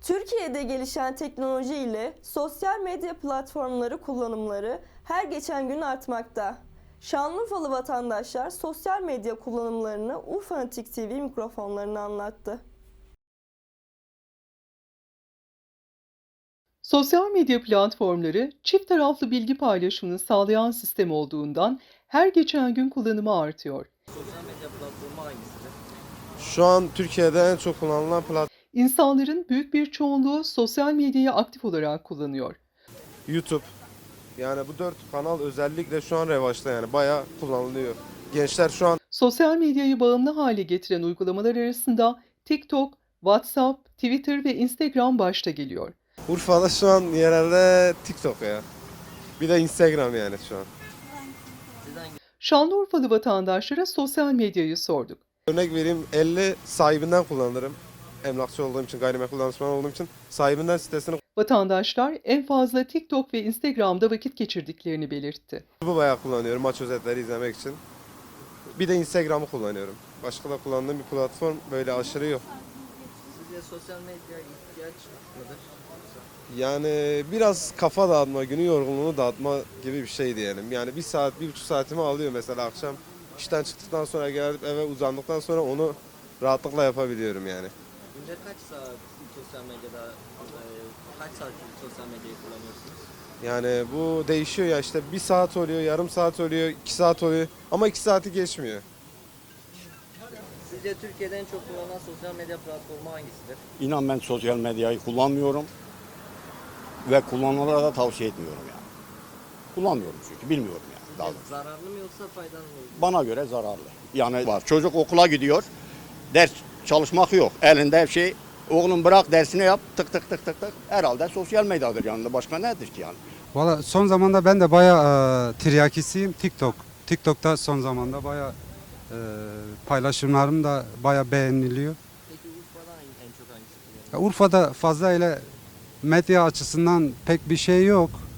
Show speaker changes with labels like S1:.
S1: Türkiye'de gelişen teknoloji ile sosyal medya platformları kullanımları her geçen gün artmakta. Şanlıurfalı vatandaşlar sosyal medya kullanımlarını Urfanatik TV mikrofonlarına anlattı.
S2: Sosyal medya platformları çift taraflı bilgi paylaşımını sağlayan sistem olduğundan her geçen gün kullanımı artıyor.
S3: Sosyal medya platformu hangisidir?
S4: Şu an Türkiye'de en çok kullanılan platform
S2: İnsanların büyük bir çoğunluğu sosyal medyayı aktif olarak kullanıyor.
S4: YouTube. Yani bu 4 kanal özellikle şu an revaçta, yani bayağı kullanılıyor. Gençler şu an
S2: Sosyal medyayı bağımlı hale getiren uygulamalar arasında TikTok, WhatsApp, Twitter ve Instagram başta geliyor.
S4: Urfa'da şu an yerelde TikTok ya. Bir de Instagram yani şu an.
S3: Siz hangi
S2: Şanlıurfalı vatandaşlara sosyal medyayı sorduk.
S4: Örnek vereyim, 50 sahibinden kullanırım. Emlakçı olduğum için, gayrimenkul danışmanı olduğum için sahibinden sitesini
S2: Vatandaşlar en fazla TikTok ve Instagram'da vakit geçirdiklerini belirtti.
S4: bu bayağı kullanıyorum maç özetleri izlemek için. Bir de Instagram'ı kullanıyorum. Başka da kullandığım bir platform böyle aşırı yok.
S3: sizce sosyal medya ihtiyaç mıdır?
S4: Yani biraz kafa dağıtma, günü yorgunluğunu dağıtma gibi bir şey diyelim. Yani 1 saat, 1,5 saatimi alıyor mesela akşam. İşten çıktıktan sonra gelip eve uzandıktan sonra onu rahatlıkla yapabiliyorum yani.
S3: Günde kaç saat sosyal medyada, kaç saat sosyal medyayı kullanıyorsunuz?
S4: Yani bu değişiyor ya, işte 1 saat oluyor, yarım saat oluyor, 2 saat oluyor ama 2 saati geçmiyor.
S3: Sizce Türkiye'de en çok kullanılan sosyal medya platformu hangisidir?
S5: İnan ben sosyal medyayı kullanmıyorum ve kullananlara da tavsiye etmiyorum yani. Kullanmıyorum çünkü bilmiyorum yani. Daha doğrusu.
S3: Zararlı mı yoksa faydalı mı?
S5: Bana göre zararlı. Yani var. Çocuk okula gidiyor. Ders çalışmak yok. Elinde her şey. Oğlum bırak dersini yap. Tık tık tık tık tık. Herhalde sosyal medyadır yanında. Başka nedir ki yani?
S6: Valla son zamanda ben de bayağı tiryakisiyim. TikTok'ta son zamanda bayağı paylaşımlarım da bayağı beğeniliyor.
S3: Peki Urfa'da en çok hangisi kullanılıyor?
S6: Urfa'da fazla öyle medya açısından pek bir şey yok.